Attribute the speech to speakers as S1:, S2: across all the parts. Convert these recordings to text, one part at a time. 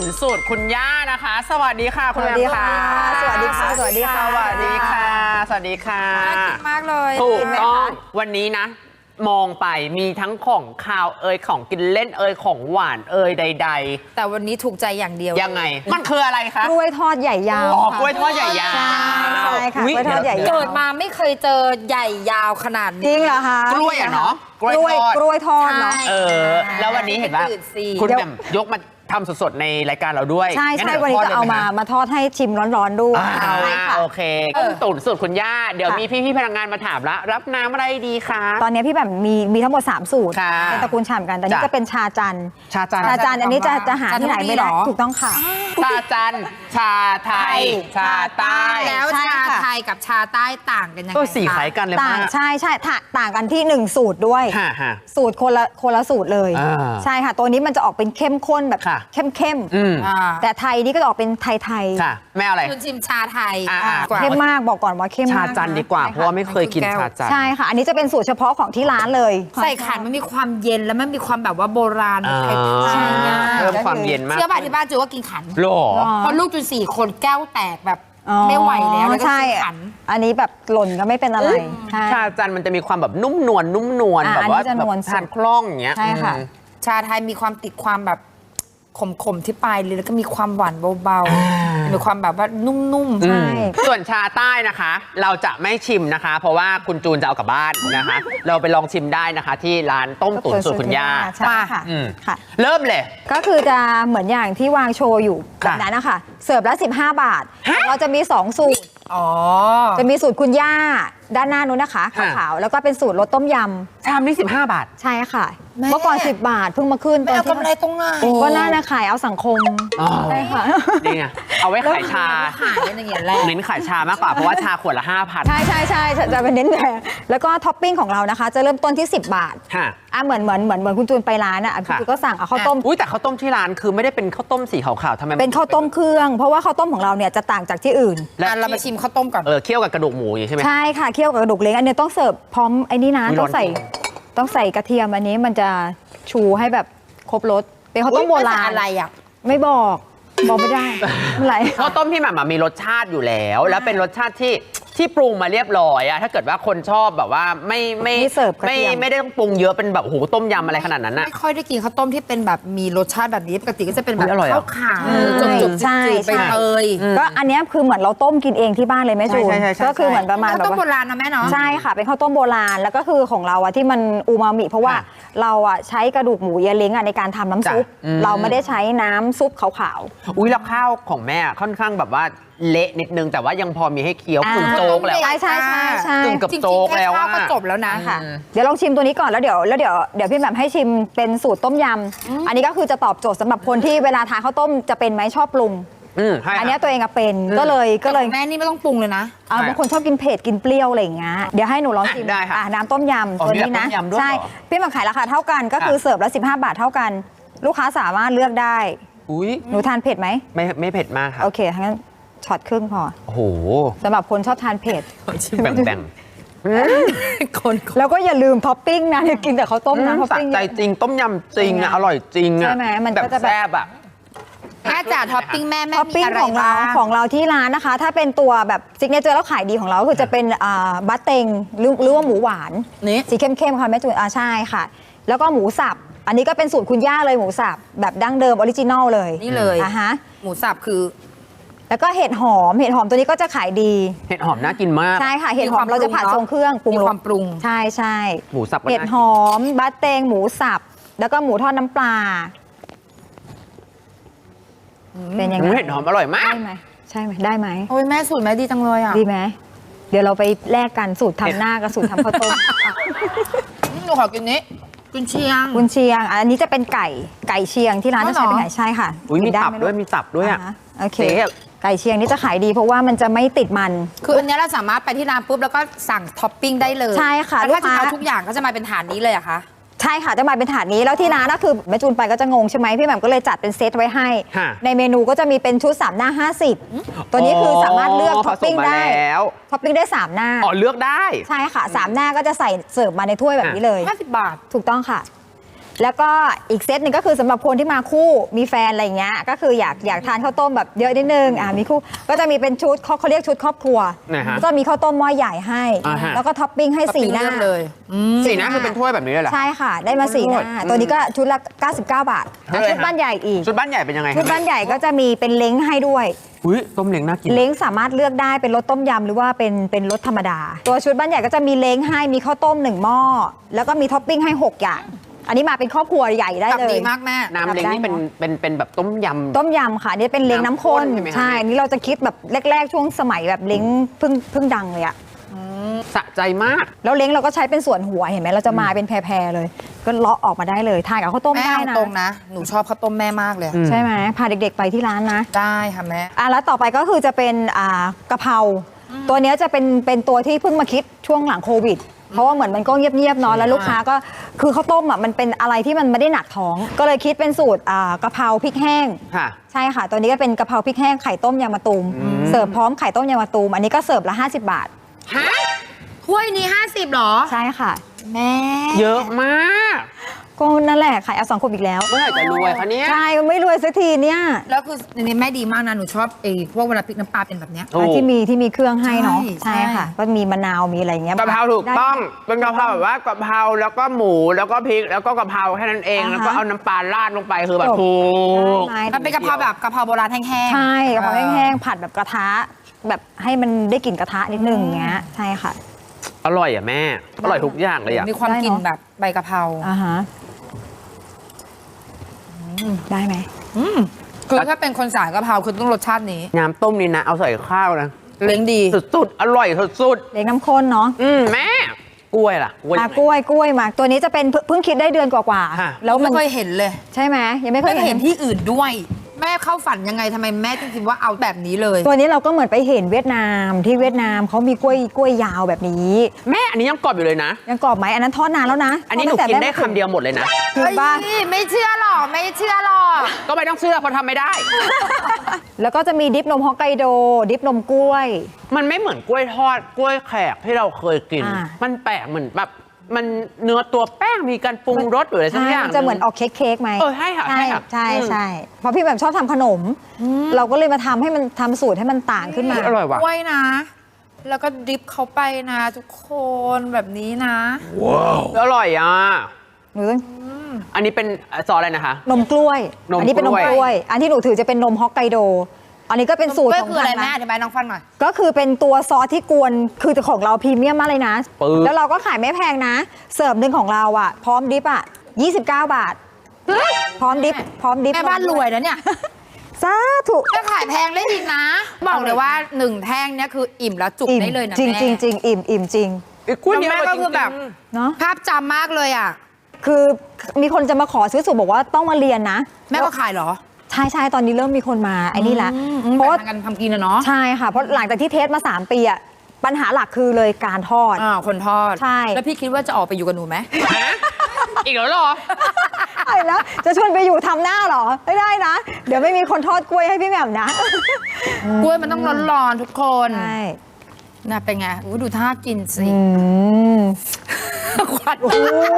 S1: ตุ๋นสูตรคุณย่านะคะสวัสดีค่ะคุณแม่ค่ะ
S2: สวัสดีค่ะสวัสดีค่ะ
S1: สวัสดีค่ะสวัสดีค่ะ
S3: น่ากินมากเลย
S1: ถูกต้องวันนี้นะมองไปมีทั้งของคาวของกินเล่นของหวานใดๆ
S3: แต่วันนี้ถูกใจอย่างเดียว
S1: ยังไงมันคืออะไรคะ
S2: กล้วยทอดใหญ่ยาว
S1: กล้วยทอดใหญ่ยาว
S2: ใช่ค่ะกล้วยทอดใหญ่ยาว
S3: เกิดมาไม่เคยเจอใหญ่ยาวขนาดนี้
S2: จริงเหรอคะ
S1: กล้วยเนาะ
S2: กล้วยทอดเนาะ
S1: แล้ววันนี้เห็นว่าคุณแหม่มยกมาทำสดๆในรายการเราด้วย
S2: ใช่วันนี้จะเอามาทอดให้ชิมร้อนๆด้วย
S1: โอเคตุ๋นสูตรคุณย่าเดี๋ยวมีพี่ๆพนักงานมาถามแล้วรับน้ำอะไรดีคะ
S2: ตอนนี้พี่แบบมีทั้งหมด3สูตรเป็นตระกูลฉ่ำกันแต่นี้จะเป็นชาจันอันนี้จะหาที่ไหนไม่ได้ถูกต้องค่ะ
S1: ชาจันชาไทยชาใต้
S3: แล้วชาไทยกับชาใต้ต่างกันยังไง
S1: ก็สีคล้ายกันเลย
S2: ต่างใช่ต่างกันที่1สูตรด้วยสูตรคนละสูตรเลยใช่ค่ะตัวนี้มันจะออกเป็นเข้มข้นแบบเข้มแต่ไทยนี่ก็จะออกเป็นไทย
S1: ค่ะแม่อะไร
S3: คุณชิมชาไทย
S2: เข้มมากบอกก่อนว่าเข้มมาก
S1: ชาจันดีกว่าเพราะว่าไม่เคยกินชาจัน
S2: ใช่ค่ะอันนี้จะเป็นสูตรเฉพาะของที่ร้านเลย
S3: ใส่ขันมันมีความเย็นแล้วมันมีความแบบว่าโบราณไทย
S1: เพิ่มความเย็นมาก
S3: เชื่อป่ะที่บ้านจูว่ากินขัน
S1: หรอ
S3: เพราะลูกจู4 คนแก้วแตกแบบไม่ไหวแล้วก็กินขัน
S2: อันนี้แบบหล่นก็ไม่เป็นอะไร
S1: ชาจันมันจะมีความแบบนุ่มนวลแบบว่าทานคล่องอย่างเงี้ย
S2: ใช่ค่ะ
S3: ชาไทยมีความติดความแบบขมที่ปลายเลยแล้วก็มีความหวานเบาๆมีความแบบว่านุ่มๆ
S2: ใช่
S1: ส่วนชาใต้นะคะเราจะไม่ชิมนะคะเพราะว่าคุณจูนจะเอากลับบ้านนะคะเราไปลองชิมได้นะคะที่ร้านต้มตุ๋นสูตรคุณย่า
S2: ค่ะค่ะ
S1: เริ่มเลย
S2: ก็คือจะเหมือนอย่างที่วางโชว์อยู่แบบนั้นนะคะเสิร์ฟละ15 บาทเราจะมี2สูตรจะมีสูตรคุณย่าด้านหน้านู้นนะคะขาวๆแล้วก็เป็นสูตรรสต้มยำ
S1: ชามนี้15 บาท
S2: ใช่ค่ะเมื่อก่อน10 บาทเพิ่งมาขึ้น
S3: ตอนที่กำไรตรงไหน
S2: ก็น่าจะขายเอาสังคมใช่ค่ะ
S1: นี่ไงเอาไว้ขายชา
S3: ขายอย่างเงี้ยแหละ
S1: เน้นขายชามากกว่าเพราะว่าชาขวดละ 5,000
S2: ใช่จะเป็นเน้นแต่แล้วก็ท็อปปิ้งของเรานะคะจะเริ่มต้นที่10 บาทเหมือนคุณจูนไปร้านอ่ะคุณจูนก็สั่งเอาข้าวต้ม
S1: แต่ข้าวต้มที่ร้านคือไม่ได้เป็นข้าวต้มสีขาวๆทำไม
S2: เป็นข้าวต้มเครื่องเพราะว่าข้าวต้มของเราเนี่ยจะต่างจากที่อื่น
S3: เรามาชิมข้าวต้มก่อน
S1: เคี่ยวกับกระดูกหมูอย่างใช่ไหม
S2: ใช่ค่ะเคี่ยวกับกระดูกเล้งอันนี้ต้องเสิร์ฟพร้อมไอ้นี่นะต้องใส่กระเทียมอันนี้มันจะชูให้แบบครบรสเป็นข้าวต้มโบราณ
S3: อะไรอ่ะ
S2: ไม่บอกไม่ได้อะไร
S1: ข้าวต้มพี่หม่ำมีรสชาติอยู่แล้วแล้วเป็นรสชาติที่ปรุงมาเรียบร้อยอะถ้าเกิดว่าคนชอบแบบว่าไม่ได้ต้องปรุงเยอะเป็นแบบโหต้มยำอะไรขนาดนั้นอะ
S3: ไม่ค่อยได้กินข้าวต้มที่เป็นแบบมีรสชาติแบบนี้ปกติก็จะเป็นแบบข้าวขาจุกๆไปเลย
S2: ก็อันนี้คือเหมือนเราต้มกินเองที่บ้านเลยแม่จูนก็คือเหมือนประมาณแบบ
S3: ข้าวต้มโบราณนะแม่เนาะ
S2: ใช่ค่ะเป็นข้าวต้มโบราณแล้วก็คือของเราอะที่มันอูมามิเพราะว่าเราอะใช้กระดูกหมูเยเล้งอะในการทำน้ำซุปเราไม่ได้ใช้น้ำซุปขาว
S1: ๆอุ้ยแล้วข้าวของแม่ค่อนข้างแบบว่าเละนิดนึงแต่ว่ายังพอมีให้เคี้ยวกึ่งโจ๊กแล้ว
S2: ใช่
S1: กึ่งกับโจ๊กแล้ว
S3: ก็จบแล้วนะ
S2: ค่ะเดี๋ยวลองชิมตัวนี้ก่อนแล้วเดี๋ยวพี่แบบให้ชิมเป็นสูตรต้มยำอันนี้ก็คือจะตอบโจทย์สำหรับคนที่เวลาทานข้าวต้มจะเป็นไหมชอบปรุงอันนี้ตัวเองเป็นก็เลย
S3: แม่นี่ไม่ต้องปรุงเลยนะ
S2: บางคนชอบกินเผ็ดกินเปรี้ยวอะไรอย่างเงี้ยเดี๋ยวให้หนูลองชิมน้ำต้มยำตัวนี้นะใช่พี่แบบขายราคาเท่ากันก็คือเสิร์ฟละ15 บาทเท่ากันลูกค้าสามารถเลือกได้หนูทานเผ็ดไหม
S1: ไม่เผ็ดมากครับ
S2: โอเคงั้นช็อตครึ่งพอ
S1: โอ้โห
S2: สำหรับคนชอบทานเผ็ด
S1: แบ่ง
S2: คนแล้วก็อย่าลืมท็อปปิ้งนะกินแต่ข้าวต้มนะท็อปปิ้ง
S1: ใจจริงต้มยำจริงอะอร่อยจริงอะ
S2: ใช่ไหมมันก็จะ
S1: แซ่บอะ
S3: แม่จ๋าท็อปปิ้งแม่
S2: ท็อปปิ้งของเราที่ร้านนะคะถ้าเป็นตัวแบบซิกเนเจอร์แล้วขายดีของเราคือจะเป็นบัตเต็งหรือว่าหมูหวานสีเข้มๆค่ะแม่จูนใช่ค่ะแล้วก็หมูสับอันนี้ก็เป็นสูตรคุณย่าเลยหมูสับแบบดั้งเดิมออริจินอลเลย
S3: นี่เลยหมูสับคือ
S2: แล้วก็เห็ดหอมตัวนี้ก็จะขายดี
S1: เห็ดหอมน่ากินมาก
S2: ใช่ค่ะเห็ดหอมเราจะผัดทรงเครื่องปรุง
S3: ความปรุง
S2: ใช่
S1: หมูสับ
S2: เห็ดหอมบัตเตงหมูสับแล้วก็หมูทอดน้ำปลาเป็นยังไง
S1: เห็ดหอมอร่อยมาก
S2: ใช่ไหมได้ไหม
S3: โอ้ยแม่สูตรแม่ดีจังเลยอ่ะ
S2: ดีไหมเดี๋ยวเราไปแลกกันสูตรทำหน้ากับสูตรทำข้าวต้ม
S3: หนูขอกินนี้กุนเชียง
S2: อันนี้จะเป็นไก่เชียงที่ร้านจะใช้เป็นไก่ใช่ค่ะ
S1: มีตับด้วยอ่ะ
S2: โอเคไก่เชียงนี่จะขายดีเพราะว่ามันจะไม่ติดมัน
S3: คืออันนี้เราสามารถไปที่ร้านปุ๊บแล้วก็สั่งท็อปปิ้งได้เลย
S2: ใช่ค่ะ
S3: แล้วถ้าจะเอาทุกอย่างก็จะมาเป็นถาดนี้เลยอะคะ
S2: ใช่ค่ะจะมาเป็นถาดนี้แล้วที่ร้านก็คือแม่จูนไปก็จะงงใช่ไหมพี่แหม่มก็เลยจัดเป็นเซตไว้ให้ในเมนูก็จะมีเป็นชุด3 หน้า 50ตัวนี้คือสามารถเลือกท็อปปิ้งได้ท็อปปิ้งได้3 หน้า
S1: เลือกได้
S2: ใช่ค่ะ3 หน้าก็จะใส่เสิร์ฟมาในถ้วยแบบนี้เลย
S3: 50 บาท
S2: ถูกต้องค่ะแล้วก็อีกเซตหนึ่งก็คือสำหรับคนที่มาคู่มีแฟนอะไรอย่างเงี้ยก็คืออยากทานข้าวต้มแบบเยอะนิดนึงมีคู่ก็จะมีเป็นชุดเขาเรียกชุดครอบครัว
S1: นะฮะ
S2: ก็มีข้าวต้มหม้อใหญ่ให้
S1: ฮะ
S2: แล้วก็ท็อปปิ้งให้สีหน้า
S3: เลือกเลย
S1: สีหน้าคือเป็นถ้วยแบบนี้เลยเหรอ
S2: ใช่ค่ะ ได้มาสีหน้าตัวนี้ก็ชุดละ99 บาทแล้วชุดบ้านใหญ่อีก
S1: ชุดบ้านใหญ่เป็นยังไง
S2: ชุดบ้านใหญ่ก็จะมีเป็นเล้งให้ด้วย
S1: อุ้ยต้มเล้งน่ากิน
S2: เล้งสามารถเลือกได้เป็นรสต้มยำหรือว่าเป็นรสธรรมดา ตัวชุดบ้านใหญ่ก็จะมีเล้งให้มีข้าวต้ม1หม้อแล้วก็มีท็อปปิ้งให้6อย่างอันนี้มาเป็นครอบครัวใหญ่ได้
S3: ตับ
S2: เลย
S3: ดีมากแม่
S1: น้ำเล้งนี่เป็นแบบต้มยำ
S2: ต้มยำค่ะอันนี่เป็นเล้งน้ำข้น
S1: น้ำข้นใช่ไหมคะ
S2: ใช่นี่เราจะคิดแบบแรกๆช่วงสมัยแบบเล้งเพิ่งดังเลยอะ
S1: สะใจมาก
S2: แล้วเล้งเราก็ใช้เป็นส่วนหัวเห็นไหมเราจะมาเป็นแพรๆเลย ก็เลาะออกมาได้เลยทานกับข้าวต้ม
S3: แม่
S2: ได้
S3: เอา
S2: นะ
S3: ตรงนะ หนูชอบข้าวต้มแม่มากเลย
S2: ใช่ไหมพาเด็กๆไปที่ร้านนะ
S3: ได้ค่ะแม่
S2: แล้วต่อไปก็คือจะเป็นกะเพราตัวเนี้ยจะเป็นตัวที่เพิ่งมาคิดช่วงหลังโควิด เพราะว่าเหมือนมันก็เงียบๆเนาะแล้วลูกค้าก็คือข้าวต้มมันเป็นอะไรที่มันไม่ได้หนักท้อง ก็เลยคิดเป็นสูตรกะเพราพริกแห้ง
S1: ค่ะ
S2: ใช่ค่ะ ตัวนี้ก็เป็นกะเพราพริกแห้งไข่ต้มยางมะตูมเสิร์ฟพร้อมไข่ต้มยางมะตูมอันนี้ก็เสิร์ฟละ50 บาท
S3: ฮะ ถ้วยนี้ 50หรอ
S2: ใช่ค่ะ
S3: แม่
S1: เยอะมาก
S2: ก็นั่นแหละขายเอา2 ขวดอีกแล้ว
S1: เมื่อไหร่จะรวยคะเนี่ย
S2: ใช่ไม่รวยสักทีเนี่ย
S3: แล้วคือในนี้แม่ดีมากนะ หนูชอบพวกเวลาพริกน้ำปลาเป็นแบบเนี้ย
S1: โอ้
S2: ที่มีเครื่องให้เนาะ
S3: ใช่
S2: ใช่ค่ะ ก็มีมะนาวมีอะไรอย่างเงี้ย
S1: กะเพราถูกต้อง
S2: ได้
S1: เป็นกะเพราแบบว่ากะเพราแล้วก็หมูแล้วก็พริกแล้วก็กะเพราแค่นั้นเอง แล้วก็เอาน้ำปลาราดลงไปคือแบบถูก
S2: ได้
S3: มันเป็นกะเพราแบบกะเพราโบราณแห้งๆ
S2: ใช่กะเพราแห้งๆผัดแบบกระทะแบบให้มันได้กลิ่นกระทะนิดนึงอย่างเงี้ยใช่ค่ะ
S1: อร่อยอ่ะแม่ อร่อยทุกอย่างเลยอ่ะ
S3: มีความ
S2: ได้
S3: กลิ่น
S2: เนอะ
S3: แบบใบกะเพรา
S2: อ่าฮะได้ไหม
S3: คือถ้าเป็นคนสายกะเพราคือต้องรสชาตินี้
S1: น้ำต้มนี่นะ เอาใส่ข้าวนะ
S3: เล้งดี
S1: สุดๆ อร่อยสุด
S2: เล็กน้ำข้นเนาะ
S1: แม่ กล้วยล่ะกล้วย
S2: กล้วยมาตัวนี้จะเป็นเพิ่งคิดได้เดือนกว่า
S1: ฮะ
S2: ๆแล้วมั
S3: ไม่
S2: น
S3: เคยเห็นเลย
S2: ใช่ไหมยังไม่เค
S3: ไม่
S2: ย
S3: เคย
S2: เห็
S3: เห็
S2: น
S3: นที่อื่นด้วย แม่เข้าฝันยังไงทำไมแม่ถึงคิดว่าเอาแบบนี้เลย
S2: ตัวนี้เราก็เหมือนไปเห็นเวียดนามที่เวียดนามเขามีกล้วยยาวแบบนี้
S1: แม่อันนี้ยังกรอบอยู่เลยนะ
S2: ยังกรอบไหมอันนั้นทอดนานแล้วนะ
S1: อันนี้หนูกินได้คำเดียวหมดเลยนะ
S2: คือบ้าน
S3: เฮ้ยไม่เชื่อหรอกไม่เชื่อหรอก
S1: ก็ไม่ต้องเชื่อเพราะทำไม่ได้
S2: แล้วก็จะมีดิปนมฮอกไกโด ดิปนมกล้วย
S1: มันไม่เหมือนกล้วยทอดกล้วยแขกที่เราเคยกิน
S2: อ่า
S1: มันแปลกเหมือนแบบมันเนื้อตัวแป้งมีการปรุงรสหรืออะไรสัก
S2: ใช่
S1: อย่าง
S2: มันจะเหมือนออกเค้กไหม
S1: ใช่ค่ะ
S2: ใช่
S1: ค่ะ
S2: ใช่
S1: อืม
S2: ใช่เพราะพี่แบบชอบทำขนม เราก็เลยมาทำให้มันทำสูตรให้มันต่างขึ้นมา
S1: อร่อยว่ะ
S3: กล้วยนะ แล้วก็ดริปเขาไปนะทุกคนแบบนี้นะ
S1: อร่อยอ่ะ
S2: หนูต้อง
S1: อันนี้เป็นซอสอะไรนะคะ
S2: นมกล้วย
S1: นม
S2: อันี้เป็นนม
S1: ก
S2: ก
S1: ล้
S2: ล้ว
S1: วย
S2: ย อันที่หนูถือจะเป็นนมฮอกไกโด อันนี้ก็เป็นสูตร
S3: กล้วย
S2: ของ
S3: คืออะไร
S2: ทาง
S3: แม่
S2: ร้าน
S3: อธิบายน้องฟังหน่อย
S2: ก็คือเป็นตัวซอสที่กวนคือของเราพรีเมียมมากเลยนะ
S1: ปึ๊บ
S2: แล้วเราก็ขายไม่แพงนะ เสิร์ฟหนึ่งของเราอ่ะ พร้อมดิปอ่ะ29 บาท พร้อมดิปพร้อมดิป
S3: แม่บ้านรวยนะเนี่ย
S2: สาธุ
S3: แม่ขายแพงได้อีกนะ บอกเลยว่า1แท่งเนี่ยคืออิ่มแล้วจุกได้เลยนะ
S2: จริง
S3: แม่
S2: จริงจริงอิ่มจริง
S1: อีกกล้วยนี้
S3: แม่
S1: ร่ย
S3: ก็คือแบบ
S1: จริง
S2: เนาะ
S3: ภาพจำมากเลยอ่ะ
S2: คือมีคนจะมาขอซื้อสูตรบอกว่าต้องมาเรียนนะ
S3: แม่ก็ขายเหรอ
S2: ใช่ตอนนี้เริ่มมีคนมาไอ้นี่ละ
S3: เพ
S2: เพ
S3: ราะ
S2: ราะ
S3: ว่า
S2: ว่า
S3: กันทำกินนะเนาะ
S2: ใช่ค่ะ เพราะหลังจากที่เทสมา 3 ปีอะปัญหาหลักคือเลยการทอด
S3: คนทอด
S2: ใช่
S3: แล้วพี่คิดว่าจะออกไปอยู่กับหนูไหม
S1: ฮะอีกแล้วเหรอ
S2: ไอ้แล้วจะชวนไปอยู่ทำหน้าเหรอ ไม่ได้นะ เดี๋ยวไม่มีคนทอดกล้วยให้พี่แหม่มนะ
S3: กล้วยมันต้องร้อนๆทุกคน
S2: ใช่
S3: น่ะเป็นไงอู้ดูท่ากินสิ
S2: อืม
S3: ควัน
S2: โอ้โห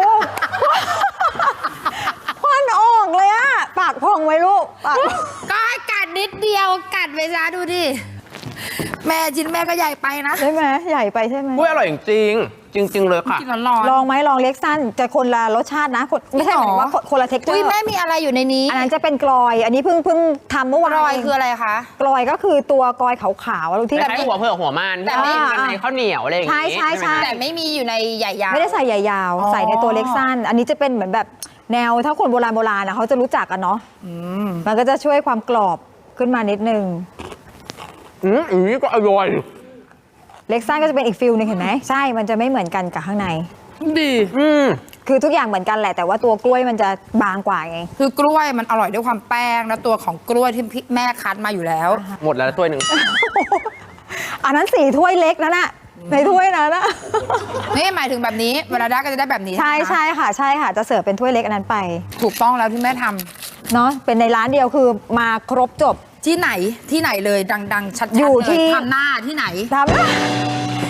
S2: ควันออกเลยอะปากพองไว้ลูกปาก
S3: ก็ให้กัดนิดเดียวกัดไปซะดูดิ แม่ชิ้นแม่ก็ใหญ่ไปนะ
S2: ใช่ไหมใหญ่ไปใช่ไหม
S1: กล้วยอร่อยจริงๆจริง ๆ เลยค่ะ
S3: กินร้อน
S2: ลองไหมลองเล็กสั้นจะคนละรสชาตินะไม่ใช่หมายถึงว่าคนละเท็กเจอ
S3: อุ้ย
S2: ร์
S3: แม่มีอะไรอยู่ในนี้
S2: อันนั้นจะเป็นกลอย อันนี้เพิ่งทำเมื่อวาน
S3: รอย
S2: เง
S3: คืออะไรคะ
S2: กลอยก็คือตัวกลอยขาวๆที่
S1: คล้ายๆหัวเผือกหัวมัน
S3: แต่
S1: ที่
S3: ไม่
S1: มันในข้าวเหนียวอะไรอย่างงี้
S2: ใช่
S1: ไหมคะ
S3: แต่ไม่มีอยู่ในใหญ่ยาว
S2: ไม่ได้ใส่ใหญ่ยาว
S3: อ๋อ
S2: ใส่ในตัวเล็กสั้น อันนี้จะเป็นเหมือนแบบแนวถ้าคนโบราณนะเขาจะรู้จักกันเนาะมันก็จะช่วยความกรอบขึ้นมานิดนึง
S1: อันนี้ก็อร่อย
S2: เล็กสั้นก็จะเป็นอีกฟิลหนึงเห็นไหมใช่มันจะไม่เหมือนกันกับข้างใน
S3: ดี
S2: คือทุกอย่างเหมือนกันแหละแต่ว่าตัวกล้วยมันจะบางกว่าไง
S3: คือกล้วยมันอร่อยด้วยความแป้งแล้วตัวของกล้วยที่พี่แม่คั้นมาอยู่แล้ว
S1: หมดแล้วถ้วยหนึ่ง
S2: อันนั้น4 ถ้วยเล็กนั่นน่ะในถ้วยนั้นนะ
S3: นี่หมายถึงแบบนี้เวลาได้ก็จะได้แบบนี้
S2: ใช่
S3: ไหมคะ
S2: ใช่ค่ะจะเสิร์ฟเป็นถ้วยเล็กอันนั้นไป
S3: ถูกต้องแล้วที่แม่ทำ
S2: เนาะเป็นในร้านเดียวคือมาครบจบ
S3: ที่ไหนเลยดังๆชัดๆ
S2: อยู่
S3: เล
S2: ที่
S3: ทำหน้าที่ไหน
S2: ทำ
S3: ร้าน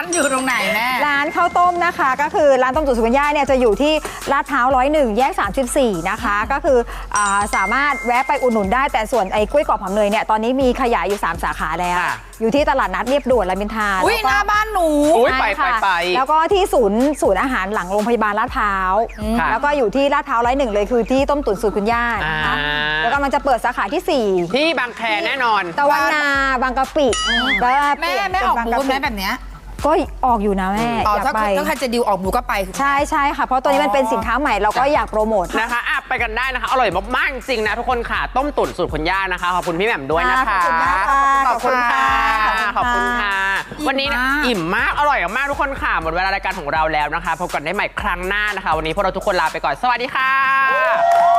S3: อยู่ตรงไหนแม่
S2: ร้านข้าวต้มนะคะก็คือร้านต้มตุ๋นสุกัญญาเนี่ยจะอยู่ที่ลาดพร้าว101 แยก 34 นะคะก็คือสามารถแวะไปอุดหนุนได้แต่ส่วนไอ้กล้วยกรอบหอมเนยเนี่ยตอนนี้มีขยายอยู่ 3 สาขาแล้วอยู่ที่ตลาดนัดเรียบด่วนรามอินทรา
S3: อุ้ยหน้าบ้านหนู
S1: ไป
S2: แล้วก็ที่ศูนย์อาหารหลังโรงพยาบาลลาดพร้าวแล้วก็อยู่ที่ลาดพร้าว101เลยคือที่ต้มตุ๋นสูตรคุณย่านะคะแล้วก็มันจะเปิดสาขาที่ 4
S1: ที่บางแคแน่นอน
S2: ตะวันนาบางกะปิแล้ว
S3: แม่ออกบูธไหมแบบเนี้ย
S2: ก็ออกอยู่นะแม่อยากไป
S3: ถ้าใครจะดิวออกบูธก็ไป
S2: ใช่ค่ะเพราะตัวนี้มันเป็นสินค้าใหม่เราก็อยากโปรโมท
S1: นะคะไปกันได้นะคะอร่อยมากๆจริงนะทุกคนค่ะต้มตุ๋นสูตรคุณย่านะคะขอบคุณพี่แหม่มด้วยนะคะขอบคุณค่ะขอบคุณค่ะวันนี้อิ่มมากอร่อยมากทุกคนค่ะหมดเวลารายการของเราแล้วนะคะพบกันได้ใหม่ครั้งหน้านะคะวันนี้พวกเราทุกคนลาไปก่อนสวัสดีค่ะ